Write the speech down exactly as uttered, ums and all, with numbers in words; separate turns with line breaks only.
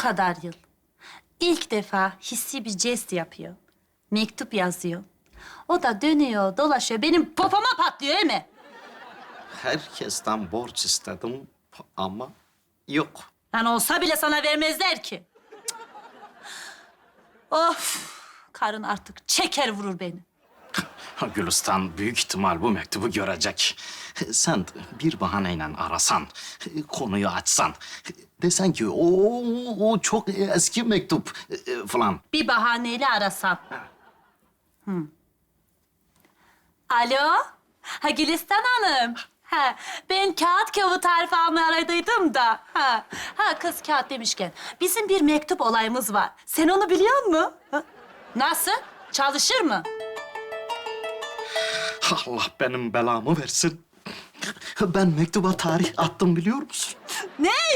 kadar yıl ilk defa hissi bir jest yapıyor. Mektup yazıyor. O da dönüyor, dolaşıyor. Benim popoma patlıyor değil mi?
Herkesten borç istedim ama yok.
Yani olsa bile sana vermezler ki. Of! Karın artık çeker vurur beni.
Gülistan büyük ihtimal bu mektubu görecek. Sen bir bahaneyle arasan, konuyu açsan, desen ki o, o çok eski mektup e, falan.
Bir bahaneyle arasam. Hmm. Alo? Ha Gülistan Hanım. Ha, ben kağıt kağıt tarifi almaya aradıydım da. Ha, ha kız kağıt demişken bizim bir mektup olayımız var. Sen onu biliyor musun? Ha? Nasıl? Çalışır mı?
Allah benim belamı versin. Ben mektuba tarih attım biliyor musun?
Ne?